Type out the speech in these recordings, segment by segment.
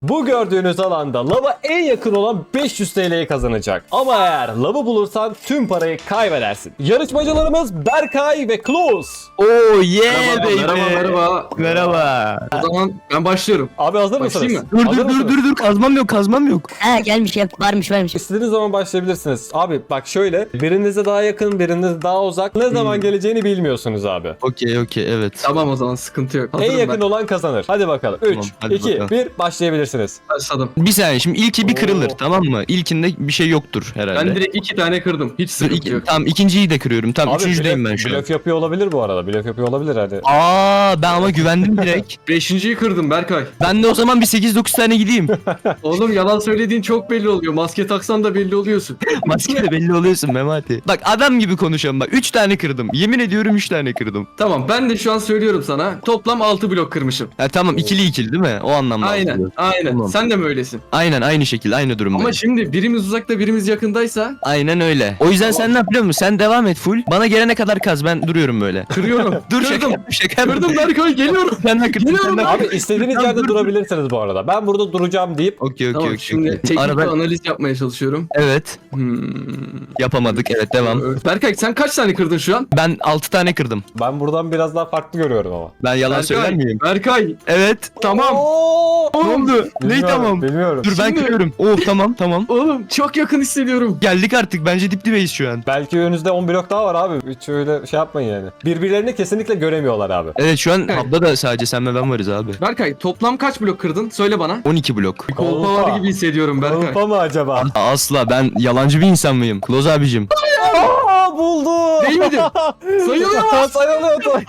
Bu gördüğünüz alanda lava en yakın olan 500 TL'yi kazanacak. Ama eğer lavı bulursan tüm parayı kaybedersin. Yarışmacılarımız Berkay ve Klose. Oh yeah Merhaba, baby. merhaba. Merhaba. O zaman ben başlıyorum. Abi hazır mısınız? Başlayayım Dur Hazır mısınız? dur kazmam yok. Ha gelmiş ya varmış. İstediğiniz zaman başlayabilirsiniz. Abi bak şöyle, birinize daha yakın, birinize daha uzak. Ne zaman geleceğini bilmiyorsunuz abi. Okey evet. Tamam o zaman sıkıntı yok. En Hazırım yakın olan kazanır. Hadi bakalım. 3, Tamam, hadi 2, bakalım. 1 başlayabilirsiniz. ben. Başladım. Bir saniye şimdi ilki bir kırılır Oo. tamam mı? İlkinde bir şey yoktur herhalde. Ben direkt 2 tane kırdım. Hiç Dur, sıkıntı yok. tamam ikinciyi de kırıyorum. Tamam Abi üçüncüdeyim ben şu an. blöf yapıyor olabilir bu arada. Blöf yapıyor olabilir hadi. Aa ben ama güvendim direkt. 5.'yi kırdım Berkay. Ben de o zaman bir 8-9 tane gideyim. Oğlum yalan söylediğin çok belli oluyor. Maske taksan da belli oluyorsun. Maskeyle belli oluyorsun Memati. Bak adam gibi konuşalım bak 3 tane kırdım. Yemin ediyorum 3 tane kırdım. Tamam ben de şu an söylüyorum sana. Toplam 6 blok kırmışım. Ha tamam ikili değil mi? O anlamda. Aynen. algılıyorum. Aynen. Tamam. Sen de mi öylesin? Aynen aynı şekilde aynı durumdayım. Ama şimdi birimiz uzakta birimiz yakındaysa Aynen öyle. O yüzden sen ne yapıyor musun? Sen devam et full. Bana gelene kadar kaz ben duruyorum böyle. kırıyorum. Dur şaka Kırdım. yaptım, şaka yaptım. Kırdım Berkay geliyorum. Sen de kırdın. Geliyorum sen de ben. kırdın. Abi istediğiniz Tamam, yerde dur. durabilirsiniz bu arada. Ben burada duracağım deyip Okey Tamam şimdi teknik Arada bir analiz yapmaya çalışıyorum. evet yapamadık evet devam. Berkay sen kaç tane kırdın şu an? Ben 6 tane kırdım. ben buradan biraz daha farklı görüyorum ama. Ben yalan söyler miyim? Berkay Evet. tamam. Oo! Ne oldu? Ne Bilmiyorum, tamam? Bilmiyorum. Dur ben Şimdi- kırıyorum. Oh tamam. Oğlum çok yakın hissediyorum. Geldik artık bence dip dibeyiz şu an. Belki önünüzde 10 blok daha var abi. Hiç öyle şey yapmayın yani. Birbirlerini kesinlikle göremiyorlar abi. Evet şu an hub'da da sadece sen ve ben varız abi. Berkay toplam kaç blok kırdın? Söyle bana. 12 blok. Kolpa var gibi hissediyorum Berkay. Kolpa mı acaba? Asla ben yalancı bir insan mıyım? Kloz abicim. Aa buldu. Değil miydi? Sayılıyor. Sayılıyor.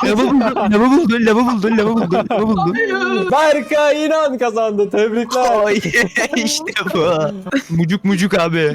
Lava buldun. Berkay İnan kazandı. Tebrikler. Ay işte bu. Mucuk abi.